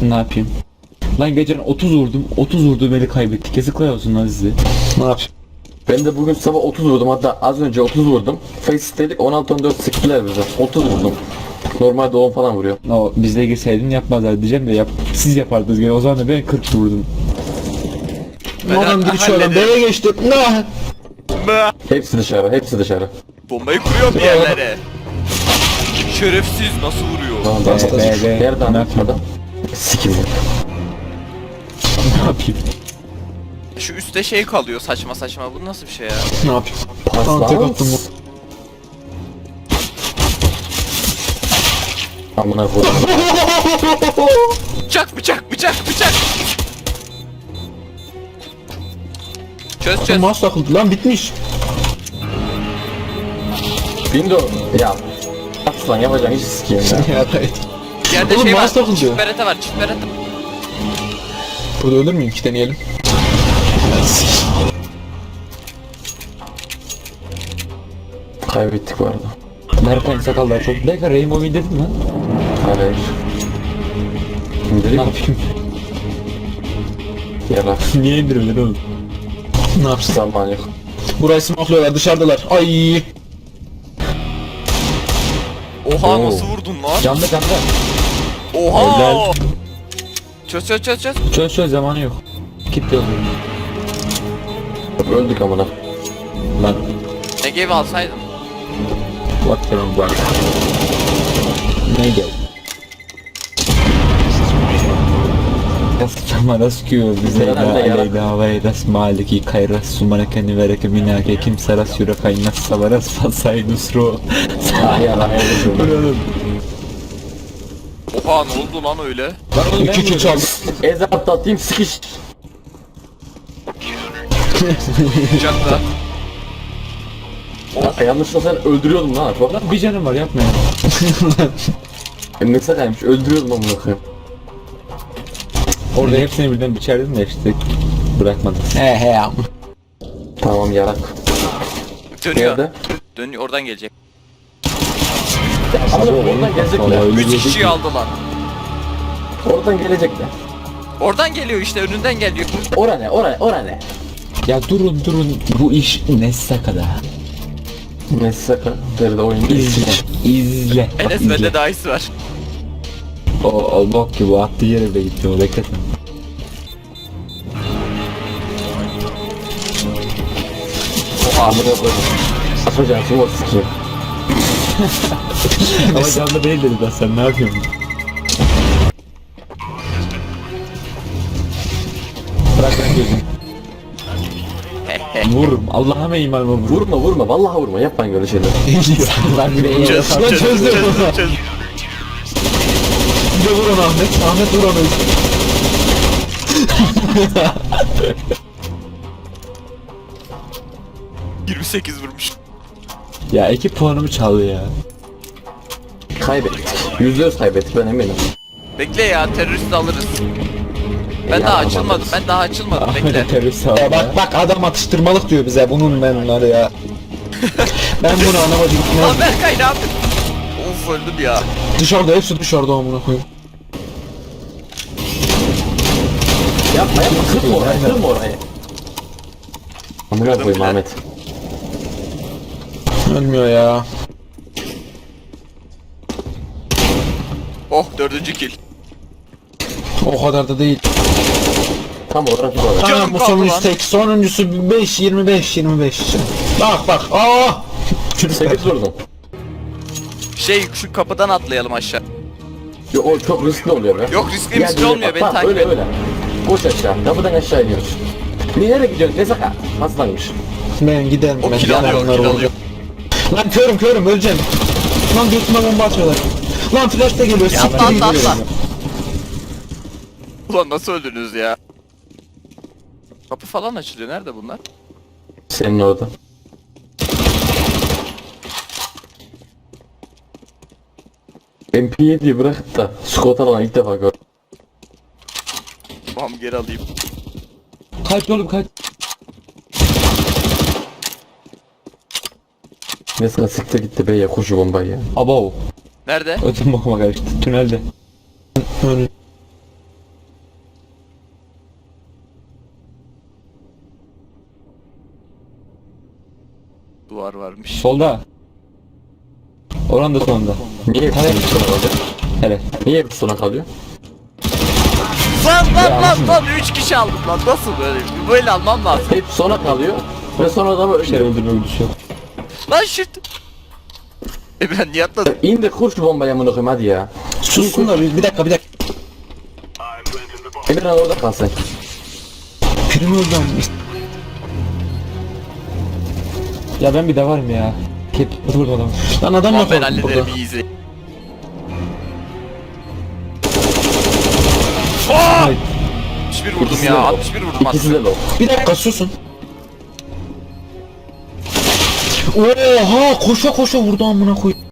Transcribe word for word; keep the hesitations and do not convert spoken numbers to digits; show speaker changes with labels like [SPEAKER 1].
[SPEAKER 1] Ne yapayım? Lan geçen otuz vurdum. otuz vurduğum eli kaybettik. Yazıklar olsun lan size.
[SPEAKER 2] Ne yapayım?
[SPEAKER 3] Ben de bugün sabah otuz vurdum, hatta az önce otuz vurdum. Face'deydik, on altı on dört sıktılar bize. otuz vurdum. Normalde on falan vuruyor.
[SPEAKER 1] O bizle girseydin yapmazlar diyeceğim de yap, siz yapardınız gene. O zaman da ben kırk vurdum.
[SPEAKER 2] Ben Adam giriş oradan
[SPEAKER 4] hallederim.
[SPEAKER 2] B'ye geçti. Ne?
[SPEAKER 4] Mı?
[SPEAKER 3] Hepsi dışarı, hepsi dışarı.
[SPEAKER 4] Bombayı kuruyor bir yerlere. Şerefsiz nasıl vuruyor?
[SPEAKER 3] Tamam,
[SPEAKER 1] Be,
[SPEAKER 3] tamam.
[SPEAKER 1] be, be.
[SPEAKER 3] Nereden
[SPEAKER 1] Ne yapayım?
[SPEAKER 3] adam? Sikim.
[SPEAKER 1] Ne yapayım?
[SPEAKER 4] Şu üstte şey kalıyor saçma saçma. Bu nasıl bir şey ya?
[SPEAKER 2] Ne yapayım?
[SPEAKER 3] Pas
[SPEAKER 2] Tamam tek
[SPEAKER 3] lan.
[SPEAKER 2] attım bu.
[SPEAKER 3] Amına koyayım.
[SPEAKER 4] Bıçak bıçak bıçak bıçak. Çöz çöz.
[SPEAKER 2] Mouse takıldı lan bitmiş.
[SPEAKER 3] Windows. Ya. At lan, yapacağın hiç sikeyim ya.
[SPEAKER 2] Ya evet.
[SPEAKER 4] Bir yerde
[SPEAKER 2] Oğlum,
[SPEAKER 4] şey var.
[SPEAKER 2] mouse takıldı.
[SPEAKER 4] Çift berete var çift berete.
[SPEAKER 2] Burada ölür müyüm ki, deneyelim.
[SPEAKER 3] Kaybettik bu arada.
[SPEAKER 1] Berkay sakallar çok. Berkay Rainbow indirdin mi lan?
[SPEAKER 3] Hayır.
[SPEAKER 1] Ne
[SPEAKER 3] Şimdi
[SPEAKER 1] yapayım?
[SPEAKER 3] yarar.
[SPEAKER 1] Niye indirmedin oğlum?
[SPEAKER 2] Ne yapsın?
[SPEAKER 3] Zaman yok.
[SPEAKER 2] Burayı smoklıyorlar, dışarıdalar. Ay.
[SPEAKER 4] Oha
[SPEAKER 1] Oo.
[SPEAKER 4] nasıl vurdun lan?
[SPEAKER 1] Canlı canlı.
[SPEAKER 4] Oha.
[SPEAKER 1] Helal.
[SPEAKER 4] Çöz çöz çöz çöz.
[SPEAKER 1] Çöz çöz zamanı yok. Kitle oluyor.
[SPEAKER 3] Öldük amına.
[SPEAKER 1] Lan.
[SPEAKER 4] Ne gibi alsaydın?
[SPEAKER 1] Bak senin bak. Ne gel? Yaskama sıkıyor bize
[SPEAKER 3] Herhalde
[SPEAKER 1] da
[SPEAKER 3] yarak.
[SPEAKER 1] aleyda havaya das maliki kayras sumanakeni vereke minake kim saras yura kaynas savaras fasay nusro.
[SPEAKER 3] Ah yarar, öldük.
[SPEAKER 4] Oha ne oldu lan öyle?
[SPEAKER 1] Lan oğlum ben
[SPEAKER 2] İki kill çaldı.
[SPEAKER 3] Ezat atayım, sıkış.
[SPEAKER 4] Bıçakla.
[SPEAKER 3] Ya, yanlışlıkla sen öldürüyordun lan Apo.
[SPEAKER 1] Lan bir canım var yapma ya.
[SPEAKER 3] Ne sakaymış, öldürüyordum amına koyayım.
[SPEAKER 1] Orada hepsini birden biçerdim de işte bırakmadım.
[SPEAKER 2] He he ya.
[SPEAKER 3] Tamam yarak.
[SPEAKER 4] Dönüyor.
[SPEAKER 3] Nerede?
[SPEAKER 4] Dönüyor oradan gelecek.
[SPEAKER 3] Ama oradan gelecekler.
[SPEAKER 1] Vallahi
[SPEAKER 4] Üç kişiyi aldılar.
[SPEAKER 3] Oradan gelecekler.
[SPEAKER 4] Oradan geliyor işte önünden geliyor.
[SPEAKER 3] Ora ne, ora ne, ora ne?
[SPEAKER 1] Ya durun durun bu iş ne sakada.
[SPEAKER 3] Ne saka? Deride oyun
[SPEAKER 1] İzle. İzle. Bak
[SPEAKER 4] Enes
[SPEAKER 1] izle.
[SPEAKER 4] bende dahisi var.
[SPEAKER 1] O, o bok gibi o attığı yere bile gitti o bekletme.
[SPEAKER 3] Oha amına koyayım. Atacağım smoke sikeyim.
[SPEAKER 1] Ama canlı değil dedi ben sen ne yapıyorsun? Bırak ben gözüm. Vururum. Allah'ıma imanıma vururum.
[SPEAKER 3] Vurma vurma, vallahi vurma, yapmayın böyle şeyler.
[SPEAKER 1] Lan bir de iyi
[SPEAKER 4] Çöz
[SPEAKER 1] yapar.
[SPEAKER 4] çöz
[SPEAKER 2] çöz,
[SPEAKER 4] çöz
[SPEAKER 2] çöz.
[SPEAKER 4] çöz.
[SPEAKER 2] Bir de vur onu Ahmet. Ahmet vur onu.
[SPEAKER 4] yirmi sekiz vurmuş.
[SPEAKER 1] Ya iki puanımı çaldı ya.
[SPEAKER 3] Kaybettik. Yüzde yüz kaybettik, ben eminim.
[SPEAKER 4] Bekle ya terörist alırız. Ben
[SPEAKER 3] Ya,
[SPEAKER 4] daha
[SPEAKER 3] tamam,
[SPEAKER 4] açılmadım.
[SPEAKER 3] alırız.
[SPEAKER 4] Ben daha açılmadım bekle.
[SPEAKER 1] Ahmet'e terörist aldı
[SPEAKER 2] Ya
[SPEAKER 1] ya.
[SPEAKER 2] bak bak adam atıştırmalık diyor bize. Bunun ben bunları ya. Ben bunu anlamadım.
[SPEAKER 4] Lan Berkay ne yapıyorsun? Of öldüm ya.
[SPEAKER 2] Dışarıda, hepsi dışarıda amına koyayım.
[SPEAKER 3] Yapma yapma, kırma orayı, kırma orayı. Amına
[SPEAKER 4] Kırdım
[SPEAKER 3] koyayım
[SPEAKER 4] bile.
[SPEAKER 3] Ahmet.
[SPEAKER 2] Ölmüyor ya.
[SPEAKER 4] Oh dördüncü kill.
[SPEAKER 2] O kadar da değil.
[SPEAKER 3] Tam olarak bu kadar.
[SPEAKER 4] Canım
[SPEAKER 2] Tamam bu
[SPEAKER 4] kaldı
[SPEAKER 2] sonuncusu
[SPEAKER 4] lan.
[SPEAKER 2] tek. Sonuncusu beş yirmi beş yirmi beş. Bak bak. Aa!
[SPEAKER 3] sekiz vurdum.
[SPEAKER 4] Şey şu kapıdan atlayalım aşağı.
[SPEAKER 3] Yo, o çok riskli oluyor be.
[SPEAKER 4] Yok riskli
[SPEAKER 3] Gel,
[SPEAKER 4] riskli
[SPEAKER 3] böyle
[SPEAKER 4] olmuyor
[SPEAKER 3] bak,
[SPEAKER 4] beni
[SPEAKER 3] bak,
[SPEAKER 4] takip
[SPEAKER 3] öyle
[SPEAKER 4] et.
[SPEAKER 3] öyle. Koş aşağı, kapıdan aşağı iniyoruz. Nereye gidiyorsun, ne saka? Paslanmış.
[SPEAKER 2] Ben giderim
[SPEAKER 4] O
[SPEAKER 2] ben.
[SPEAKER 4] kill
[SPEAKER 2] Yanar
[SPEAKER 4] alıyor,
[SPEAKER 2] onlar
[SPEAKER 4] kill
[SPEAKER 2] olacak.
[SPEAKER 4] alıyor.
[SPEAKER 2] Lan körüm körüm öleceğim. Lan götüme bomba atıyorlar. Lan flash da geliyor.
[SPEAKER 4] Ya
[SPEAKER 2] siktir
[SPEAKER 4] atla
[SPEAKER 2] gidiyor.
[SPEAKER 4] atla atla. Ulan nasıl öldünüz ya? Kapı falan açılıyor. Nerede bunlar?
[SPEAKER 3] Senin orada. M P yediyi bırakıp da Scott alan ilk defa gördüm.
[SPEAKER 4] Tamam geri alayım.
[SPEAKER 1] Kaç oğlum kaç.
[SPEAKER 3] Mesela siktir gitti be ya, koşu bombayı ya.
[SPEAKER 1] Abo.
[SPEAKER 4] Nerede?
[SPEAKER 1] Ötüm bakıma karıştı. Tünelde.
[SPEAKER 2] Öyle.
[SPEAKER 4] duvar varmış.
[SPEAKER 1] Solda. Oran da sonunda.
[SPEAKER 3] Niye hepsi
[SPEAKER 1] Hayır.
[SPEAKER 3] sona kalıyor?
[SPEAKER 1] Hele.
[SPEAKER 3] Niye hepsi sona kalıyor?
[SPEAKER 4] Lan lan lan lan üç kişi aldım lan nasıl böyle? Böyle almam lazım.
[SPEAKER 3] Hep sona kalıyor ve sonra da
[SPEAKER 1] Bir şey
[SPEAKER 3] böyle
[SPEAKER 1] öldürme güdüsü yok.
[SPEAKER 4] Lan şut. E ben niye atladım?
[SPEAKER 3] İn de kur şu bombayı amına koyayım hadi ya.
[SPEAKER 2] Sussun da bir, bir dakika bir dakika.
[SPEAKER 3] Emirhan orada kalsın.
[SPEAKER 2] Prim öldü ama.
[SPEAKER 1] Ya ben bir de varım ya. Hep vurdum adamı.
[SPEAKER 2] Lan adam
[SPEAKER 4] Lan
[SPEAKER 2] yok
[SPEAKER 4] ben
[SPEAKER 2] orada.
[SPEAKER 4] hallederim iyi izle. Aa!
[SPEAKER 1] Hayır.
[SPEAKER 4] altmış bir vurdum
[SPEAKER 3] İkisi de
[SPEAKER 4] ya
[SPEAKER 3] low.
[SPEAKER 4] altmış bir vurdum
[SPEAKER 3] İkisi de
[SPEAKER 4] aslında.
[SPEAKER 3] low.
[SPEAKER 2] Bir dakika susun. Oha koşa koşa vurdu amına koy.